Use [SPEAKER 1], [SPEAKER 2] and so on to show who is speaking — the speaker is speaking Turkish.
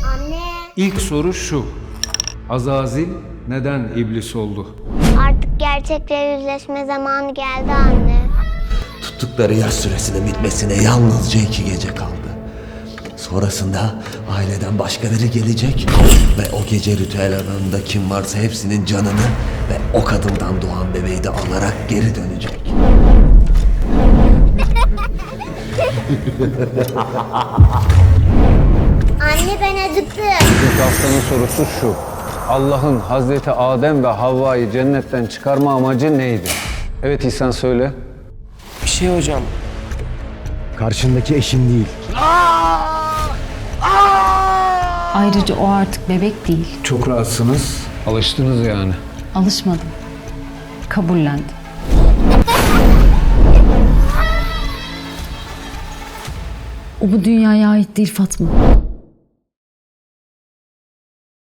[SPEAKER 1] Anne.
[SPEAKER 2] İlk soru şu. Azazil neden iblis oldu?
[SPEAKER 1] Artık gerçekle yüzleşme zamanı geldi anne.
[SPEAKER 3] Tuttukları yaz süresinin bitmesine yalnızca 2 gece kaldı. Sonrasında aileden başkaları gelecek ve o gece ritüel alanında kim varsa hepsinin canını ve o kadından doğan bebeği de alarak geri dönecek.
[SPEAKER 1] Anne ben acıktım.
[SPEAKER 2] İlk haftanın sorusu şu. Allah'ın Hazreti Adem ve Havva'yı cennetten çıkarma amacı neydi? Evet İhsan söyle.
[SPEAKER 4] Bir şey hocam.
[SPEAKER 5] Karşındaki eşin değil.
[SPEAKER 6] Ayrıca o artık bebek değil.
[SPEAKER 2] Çok rahatsınız. Alıştınız yani.
[SPEAKER 6] Alışmadım. Kabullendim. O bu dünyaya ait değil Fatma.